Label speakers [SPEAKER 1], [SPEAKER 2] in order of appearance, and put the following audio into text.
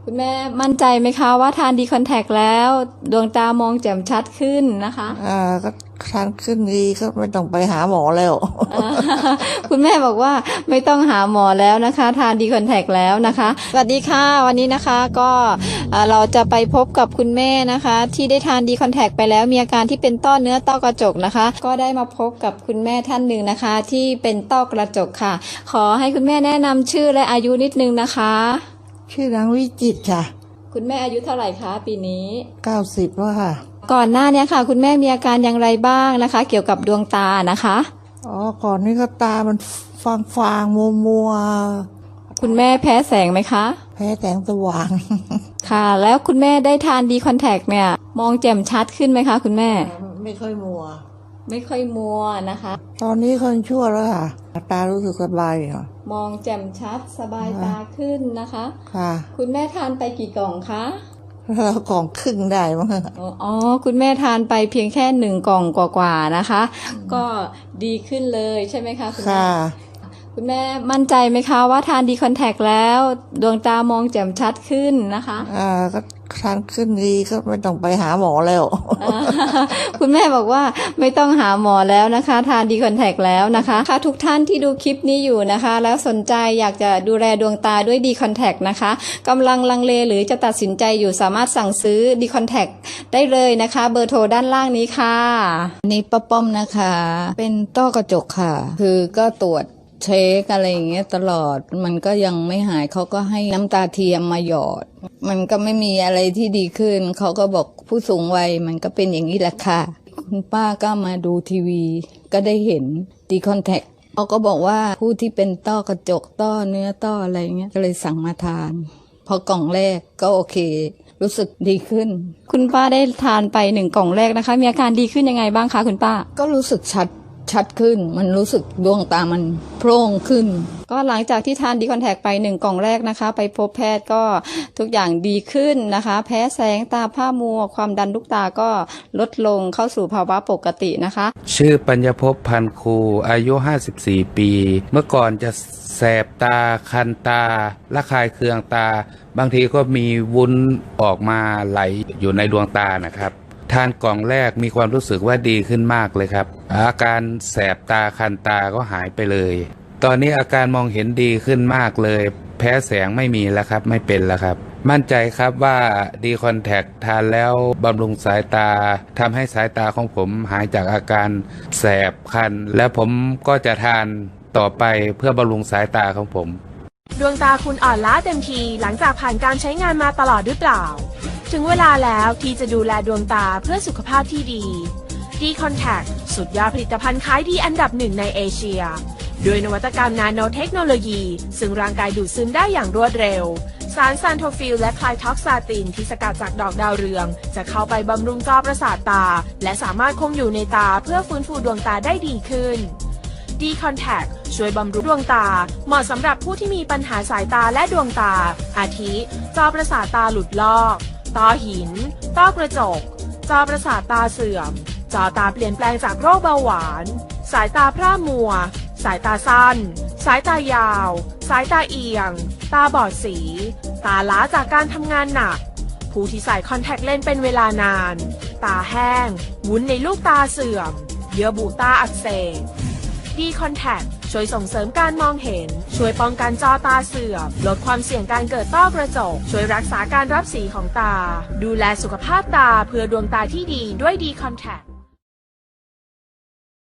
[SPEAKER 1] คุณแม่มั่นใจไหมคะว่าทานดีคอนแทคแล้วดวงตามองแจ่มชัดขึ้นนะคะ
[SPEAKER 2] ก็ทานขึ้นดีก็ไม่ต้องไปหาหมอแล้ว
[SPEAKER 1] คุณแม่บอกว่าไม่ต้องหาหมอแล้วนะคะทานดีคอนแทคแล้วนะคะสวัสดีค่ะวันนี้นะคะก็เราจะไปพบกับคุณแม่นะคะที่ได้ทานดีคอนแทคไปแล้วมีอาการที่เป็นต้อเนื้อต้อกระจกนะคะก็ได้มาพบกับคุณแม่ท่านหนึ่งนะคะที่เป็นต้อกระจกค่ะขอให้คุณแม่แนะนำชื่อและอายุนิดนึงนะคะ
[SPEAKER 2] ชื่อนางวิจิตรค่ะ
[SPEAKER 1] คุณแม่อายุเท่าไหร่คะปีนี้
[SPEAKER 2] 90แล้วค่ะ
[SPEAKER 1] ก่อนหน้านี้ค่ะคุณแม่มีอาการอย่างไรบ้างนะคะเกี่ยวกับดวงตานะคะ
[SPEAKER 2] ก่อนนี้ก็ตามันฟางมัว
[SPEAKER 1] คุณแม่แพ้แสงไหมคะ
[SPEAKER 2] แพ้แสงสว่าง
[SPEAKER 1] ค่ะแล้วคุณแม่ได้ทานดีคอนแทคเนี่ยมองแจ่มชัดขึ้นไหมคะคุณแม่
[SPEAKER 2] ไม่ค่อยมัว
[SPEAKER 1] นะคะ
[SPEAKER 2] ตอนนี้คนชั่วแล้วค่ะตารู้สึกสบายค่ะ
[SPEAKER 1] มองแจ่มชัดสบายตาขึ้นนะคะ
[SPEAKER 2] ค่ะ
[SPEAKER 1] คุณแม่ทานไปกี่กล่องคะ
[SPEAKER 2] แล้วกล่องครึ่งได้มั้ง
[SPEAKER 1] คุณแม่ทานไปเพียงแค่1 กล่องกว่าๆนะคะก็ดีขึ้นเลยใช่ไหมคะคุณแม่คุณแม่มั่นใจไหมคะว่าทานดีคอนแทคแล้วดวงตามองแจ่มชัดขึ้นนะคะ
[SPEAKER 2] ก็ทานขึ้นดีก็ไม่ต้องไปหาหมอแล้ว
[SPEAKER 1] คุณแม่บอกว่าไม่ต้องหาหมอแล้วนะคะทานดีคอนแทคแล้วนะคะค่ะทุกท่านที่ดูคลิปนี้อยู่นะคะแล้วสนใจอยากจะดูแลดวงตาด้วยดีคอนแทคนะคะกำลังลังเลหรือจะตัดสินใจอยู่สามารถสั่งซื้อดีคอนแทคได้เลยนะคะเบอร์โทรด้านล่างนี้ค่ะ
[SPEAKER 3] นี่ป้าป้อมนะคะเป็นต้อกระจกค่ะคือก็ตรวจเช็คอะไรอย่างเงี้ยตลอดมันก็ยังไม่หายเขาก็ให้น้ำตาเทียมมาหยอดมันก็ไม่มีอะไรที่ดีขึ้นเขาก็บอกผู้สูงวัยมันก็เป็นอย่างนี้แหละค่ะคุณป้าก็มาดูทีวีก็ได้เห็นดีคอนแทคเขาก็บอกว่าผู้ที่เป็นต้อกระจกต้อเนื้อต้ออะไรเงี้ยก็เลยสั่งมาทานพอกล่องแรกก็โอเครู้สึกดีขึ้น
[SPEAKER 1] คุณป้าได้ทานไป1 กล่องแรกนะคะมีอาการดีขึ้นยังไงบ้างคะคุณป้า
[SPEAKER 3] ก็รู้สึกชัดขึ้นมันรู้สึกดวงตามันโพร่งขึ้น
[SPEAKER 1] ก็หลังจากที่ทานดีคอนแทคไป1 กล่องแรกนะคะไปพบแพทย์ก็ทุกอย่างดีขึ้นนะคะแพ้แสงตาผ้ามัวความดันลูกตาก็ลดลงเข้าสู่ภาวะปกตินะคะ
[SPEAKER 4] ชื่อปัญญภพพันครูอายุ54 ปีเมื่อก่อนจะแสบตาคันตาระคายเคืองตาบางทีก็มีวุ้นออกมาไหลอยู่ในดวงตานะครับทานกล่องแรกมีความรู้สึกว่าดีขึ้นมากเลยครับอาการแสบตาคันตาก็หายไปเลยตอนนี้อาการมองเห็นดีขึ้นมากเลยแพ้แสงไม่มีแล้วครับไม่เป็นแล้วครับมั่นใจครับว่าดีคอนแทคทานแล้วบำรุงสายตาทำให้สายตาของผมหายจากอาการแสบคันและผมก็จะทานต่อไปเพื่อบำรุงสายตาของผม
[SPEAKER 5] ดวงตาคุณอ่อนล้าเต็มทีหลังจากผ่านการใช้งานมาตลอดหรือเปล่าถึงเวลาแล้วที่จะดูแลดวงตาเพื่อสุขภาพที่ดีดีคอนแทคสุดยอดผลิตภัณฑ์ขายดีอันดับ1ในเอเชียด้วยนวัตกรรมนาโนเทคโนโลยีซึ่งร่างกายดูดซึมได้อย่างรวดเร็วสารซานโทฟิลและไคลท็อกซาตินที่สกัดจากดอกดาวเรืองจะเข้าไปบำรุงจอประสาทตาและสามารถคงอยู่ในตาเพื่อฟื้นฟูดวงตาได้ดีขึ้นดีคอนแทคช่วยบำรุงดวงตาเหมาะสำหรับผู้ที่มีปัญหาสายตาและดวงตาอาทิจอประสาทตาหลุดลอกต้อหินต้อกระจกจอประสาทตาเสื่อมจอตาเปลี่ยนแปลงจากโรคเบาหวานสายตาพร่ามัวสายตาสั้นสายตายาวสายตาเอียงตาบอดสีตาล้าจากการทำงานหนักผู้ที่ใส่คอนแทคเลนส์เป็นเวลานานตาแห้งวุ้นในลูกตาเสื่อมเยื่อบุตาอักเสบดีคอนแทคช่วยส่งเสริมการมองเห็นช่วยป้องกันจอตาเสื่อมลดความเสี่ยงการเกิดต้อกระจกช่วยรักษาการรับสีของตาดูแลสุขภาพตาเพื่อดวงตาที่ดีด้วยดีคอนแทค